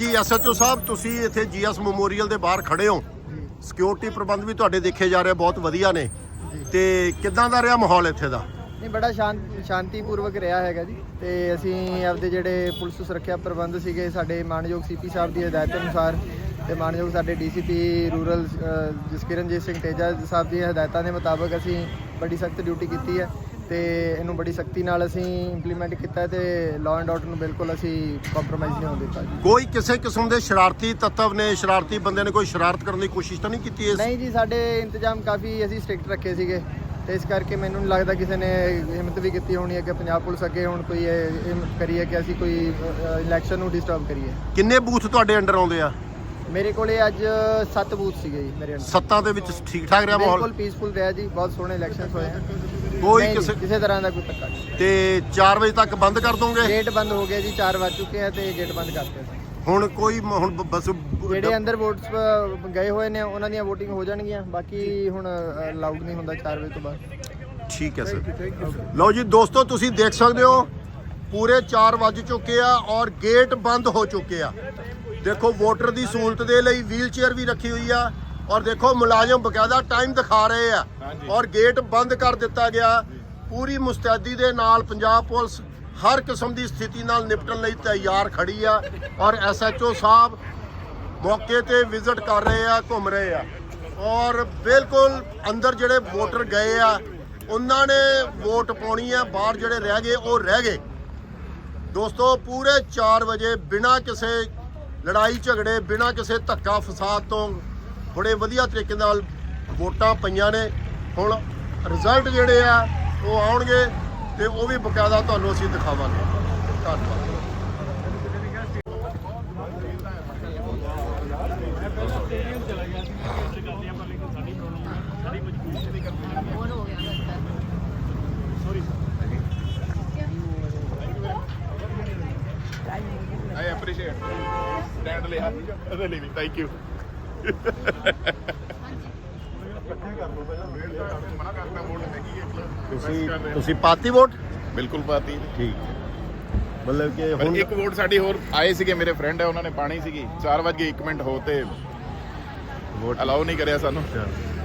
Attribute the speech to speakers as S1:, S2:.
S1: SHO ਸਾਹਿਬ, ਤੁਸੀਂ ਇੱਥੇ GS memorial ਦੇ ਬਾਹਰ ਖੜੇ ਹੋ, ਸਿਕਿਉਰਿਟੀ ਪ੍ਰਬੰਧ ਵੀ ਤੁਹਾਡੇ ਦੇਖੇ ਜਾ ਰਹੇ ਬਹੁਤ ਵਧੀਆ ਨੇ, ਤੇ ਕਿੱਦਾਂ ਦਾ ਰਿਹਾ ਮਾਹੌਲ ਇੱਥੇ ਦਾ?
S2: ਨਹੀਂ, ਬੜਾ ਸ਼ਾਂਤੀਪੂਰਵਕ ਰਿਹਾ ਹੈਗਾ ਜੀ। ਤੇ ਅਸੀਂ ਆਪਦੇ ਜਿਹੜੇ ਪੁਲਿਸ ਸੁਰੱਖਿਆ ਪ੍ਰਬੰਧ ਸੀਗੇ, ਸਾਡੇ ਮਾਨਯੋਗ CP ਸਾਹਿਬ ਦੀ ਹਦਾਇਤ ਅਨੁਸਾਰ ਤੇ ਮਾਨਯੋਗ ਸਾਡੇ DCP ਰੂਰਲ ਜਸਕਿਰਨਜੀਤ ਸਿੰਘ ਤੇਜਾ ਸਾਹਿਬ ਦੀਆਂ ਹਦਾਇਤਾਂ ਦੇ ਮੁਤਾਬਕ ਅਸੀਂ ਬੜੀ ਸਖਤ ਡਿਊਟੀ ਕੀਤੀ ਹੈ ਤੇ ਇਹਨੂੰ ਬੜੀ ਸਖਤੀ ਨਾਲ ਅਸੀਂ ਇੰਪਲੀਮੈਂਟ ਕੀਤਾ ਤੇ ਲਾਅ ਐਂਡ ਆਰਡਰ ਨੂੰ ਬਿਲਕੁਲ ਅਸੀਂ ਕੰਪਰੋਮਾਈਜ਼ ਨਹੀਂ ਹੋਣ ਦਿੱਤਾ ਜੀ।
S1: ਕੋਈ ਕਿਸੇ ਕਿਸਮ ਦੇ ਸ਼ਰਾਰਤੀ ਤੱਤਵ ਨੇ, ਸ਼ਰਾਰਤੀ ਬੰਦੇ ਨੇ ਕੋਈ ਸ਼ਰਾਰਤ ਕਰਨ ਦੀ ਕੋਸ਼ਿਸ਼ ਤਾਂ ਨਹੀਂ ਕੀਤੀ?
S2: ਨਹੀਂ ਜੀ, ਸਾਡੇ ਇੰਤਜ਼ਾਮ ਕਾਫੀ ਅਸੀਂ ਸਟ੍ਰਿਕਟ ਰੱਖੇ ਸੀਗੇ ਤੇ ਇਸ ਕਰਕੇ ਮੈਨੂੰ ਨਹੀਂ ਲੱਗਦਾ ਕਿਸੇ ਨੇ ਹਿੰਮਤ ਵੀ ਕੀਤੀ ਹੋਣੀ ਹੈ ਕਿ ਪੰਜਾਬ ਪੁਲਿਸ ਅੱਗੇ ਹੁਣ ਕੋਈ ਹਿੰਮਤ ਕਰੀਏ ਕਿ ਅਸੀਂ ਕੋਈ ਇਲੈਕਸ਼ਨ ਨੂੰ ਡਿਸਟਰਬ ਕਰੀਏ।
S1: ਕਿੰਨੇ ਬੂਥ ਤੁਹਾਡੇ ਅੰਡਰ ਆਉਂਦੇ ਆ?
S2: ਮੇਰੇ ਕੋਲੇ ਅੱਜ 7 ਬੂਥ ਸੀਗੇ ਜੀ ਮੇਰੇ ਅੰਦਰ।
S1: 7 ਦੇ ਵਿੱਚ ਠੀਕ ਠਾਕ ਰਿਹਾ ਮਾਹੌਲ?
S2: ਬਿਲਕੁਲ ਪੀਸਫੁਲ ਰਿਹਾ ਜੀ, ਬਹੁਤ ਸੋਹਣੇ ਇਲੈਕਸ਼ਨਸ ਹੋਏ ਆ।
S1: ਕੋਈ
S2: ਕਿਸੇ ਤਰ੍ਹਾਂ ਦਾ ਕੋਈ ਧੱਕਾ ਨਹੀਂ।
S1: ਤੇ 4 ਵਜੇ ਤੱਕ ਬੰਦ ਕਰ ਦੋਗੇ?
S2: ਗੇਟ ਬੰਦ ਹੋ ਗਿਆ ਜੀ, 4 ਵੱਜ ਚੁੱਕੇ ਆ ਤੇ ਗੇਟ ਬੰਦ ਕਰਤੇ।
S1: ਹੁਣ ਕੋਈ ਹੁਣ ਬਸ
S2: ਜਿਹੜੇ ਅੰਦਰ ਵੋਟਸ ਗਏ ਹੋਏ ਨੇ ਉਹਨਾਂ ਦੀਆਂ VOTING ਹੋ ਜਾਣਗੀਆਂ, ਬਾਕੀ ਹੁਣ ਅਲਾਉਡ ਨਹੀਂ ਹੁੰਦਾ 4 ਵਜੇ ਤੋਂ ਬਾਅਦ।
S1: ਠੀਕ ਹੈ ਸਰ। ਲਓ ਜੀ ਦੋਸਤੋ, ਤੁਸੀਂ ਦੇਖ ਸਕਦੇ ਹੋ ਪੂਰੇ 4 ਵੱਜ ਚੁੱਕੇ ਆ ਔਰ ਗੇਟ ਬੰਦ ਹੋ ਚੁੱਕੇ ਆ। ਦੇਖੋ ਵੋਟਰ ਦੀ ਸਹੂਲਤ ਦੇ ਲਈ ਵੀਲ ਚੇਅਰ ਵੀ ਰੱਖੀ ਹੋਈ ਆ ਔਰ ਦੇਖੋ ਮੁਲਾਜ਼ਮ ਬਕਾਇਦਾ ਟਾਈਮ ਦਿਖਾ ਰਹੇ ਆ ਔਰ ਗੇਟ ਬੰਦ ਕਰ ਦਿੱਤਾ ਗਿਆ। ਪੂਰੀ ਮੁਸਤੈਦੀ ਦੇ ਨਾਲ ਪੰਜਾਬ ਪੁਲਿਸ ਹਰ ਕਿਸਮ ਦੀ ਸਥਿਤੀ ਨਾਲ ਨਿਪਟਣ ਲਈ ਤਿਆਰ ਖੜੀ ਆ ਔਰ SHO ਸਾਹਿਬ ਮੌਕੇ ਤੇ ਵਿਜ਼ਿਟ ਕਰ ਰਹੇ ਆ, ਘੁੰਮ ਰਹੇ ਆ ਔਰ ਬਿਲਕੁਲ ਅੰਦਰ ਜਿਹੜੇ ਵੋਟਰ ਗਏ ਆ ਉਹਨਾਂ ਨੇ ਵੋਟ ਪਾਉਣੀ ਆ, ਬਾਹਰ ਜਿਹੜੇ ਰਹਿ ਗਏ ਉਹ ਰਹਿ ਗਏ। ਦੋਸਤੋ ਪੂਰੇ 4 ਵਜੇ ਬਿਨਾਂ ਕਿਸੇ ਲੜਾਈ ਝਗੜੇ, ਬਿਨਾਂ ਕਿਸੇ ਧੱਕਾ ਫਸਾਦ ਤੋਂ ਬੜੇ ਵਧੀਆ ਤਰੀਕੇ ਨਾਲ ਵੋਟਾਂ ਪਈਆਂ ਨੇ। ਹੁਣ ਰਿਜ਼ਲਟ ਜਿਹੜੇ ਆ ਉਹ ਆਉਣਗੇ ਤੇ ਉਹ ਵੀ ਬਕਾਇਦਾ ਤੁਹਾਨੂੰ ਅਸੀਂ ਦਿਖਾਵਾਂਗੇ। ਧੰਨਵਾਦ।
S3: I appreciate stand ਲਿਆ ਇਹਦੇ ਲਈ ਵੀ ਥੈਂਕ ਯੂ।
S1: ਤੁਸੀਂ ਪਾਤੀ ਵੋਟ?
S3: ਬਿਲਕੁਲ ਪਾਤੀ।
S1: ਠੀਕ, ਮਤਲਬ ਕਿ ਹੁਣ
S3: ਇੱਕ ਵੋਟ ਸਾਡੀ ਹੋਰ ਆਏ ਸੀਗੇ, ਮੇਰੇ ਫਰੈਂਡ ਹੈ, ਉਹਨਾਂ ਨੇ ਪਾਣੀ ਸੀਗੀ। 4:01 ਹੋ ਤੇ ਵੋਟ ਅਲਾਉ ਨਹੀਂ ਕਰਿਆ ਸਾਨੂੰ।